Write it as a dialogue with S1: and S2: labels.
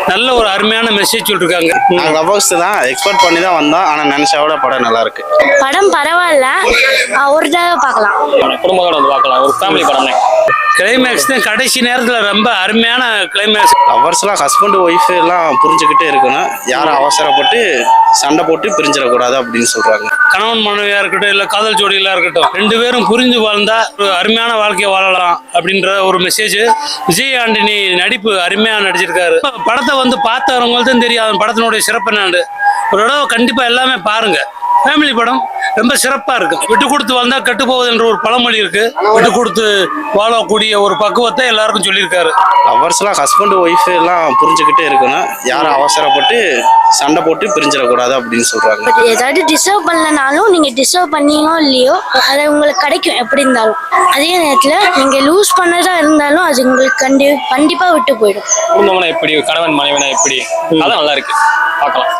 S1: நல்ல ஒரு அருமையான மெசேஜ் சொல்லிருக்காங்க.
S2: நாங்கள் லவ்வர்ஸ் தான் எக்ஸ்பெக்ட் பண்ணி தான் வந்தோம். ஆனால் நினைச்சா விட படம் நல்லா இருக்கு.
S3: படம் பரவாயில்ல, ஒரு தடவை பார்க்கலாம்.
S4: குடும்பத்தோட வந்து பார்க்கலாம். ஒரு ஃபேமிலி படம் தான்.
S1: கிளைமேக்ஸ் தான் கடைசி நேரத்தில் ரொம்ப அருமையான கிளைமேக்ஸ்.
S2: லவ்வர்ஸ்லாம் ஹஸ்பண்ட் ஒய்ஃப் எல்லாம் புரிஞ்சுக்கிட்டே இருக்கணும். யாரும் அவசரப்பட்டு சண்டை போட்டு பிரிஞ்சிடக்கூடாது அப்படின்னு சொல்றாங்க.
S1: கணவன் மனைவியா இருக்கட்டும், இல்ல காதல் ஜோடிகளா இருக்கட்டும், 2 பேரும் புரிஞ்சு வாழ்ந்தா ஒரு அருமையான வாழ்க்கையை வாழலாம் அப்படின்ற ஒரு மெசேஜ். விஜய் ஆண்டனி நடிப்பு அருமையா நடிச்சிருக்காரு. படத்தை வந்து பார்த்தவங்களுக்கு தான் தெரியும் படத்தினுடைய சிறப்பு என்னன்னு. ஒரு தடவை கண்டிப்பா எல்லாமே பாருங்க. ஃபேமிலி படம் ரொம்ப சிறப்பா இருக்கு. விட்டு கொடுத்து வாழ்ந்தா கெட்டு போகுது என்ற ஒரு பழமொழி இருக்கு. விட்டு கொடுத்து வாழக்கூடிய ஒரு பக்குவத்தை எல்லாருக்கும் சொல்லியிருக்காரு.
S2: லவ்வர்ஸ்லாம் ஹஸ்பண்ட் ஒய்ஃப் எல்லாம் புரிஞ்சுக்கிட்டே இருக்கணும். யாரும் அவசரப்பட்டு சண்டை போட்டு பிரிஞ்சிடக்கூடாது அப்படின்னு சொல்றாங்க.
S3: ஏதாவது டிசர்வ் பண்ணலனாலும் நீங்க டிசர்வ் பண்ணீங்களோ இல்லையோ அது உங்களுக்கு கிடைக்கும் எப்படி இருந்தாலும். அதே நேரத்துல நீங்க லூஸ் பண்ணதா இருந்தாலும் அது உங்களுக்கு கண்டிப்பா விட்டு போயிடும்.
S4: குடும்பம்னா எப்படி, கணவன் மனைவினா எப்படி, அதான் நல்லா இருக்கு. பார்க்கலாம்.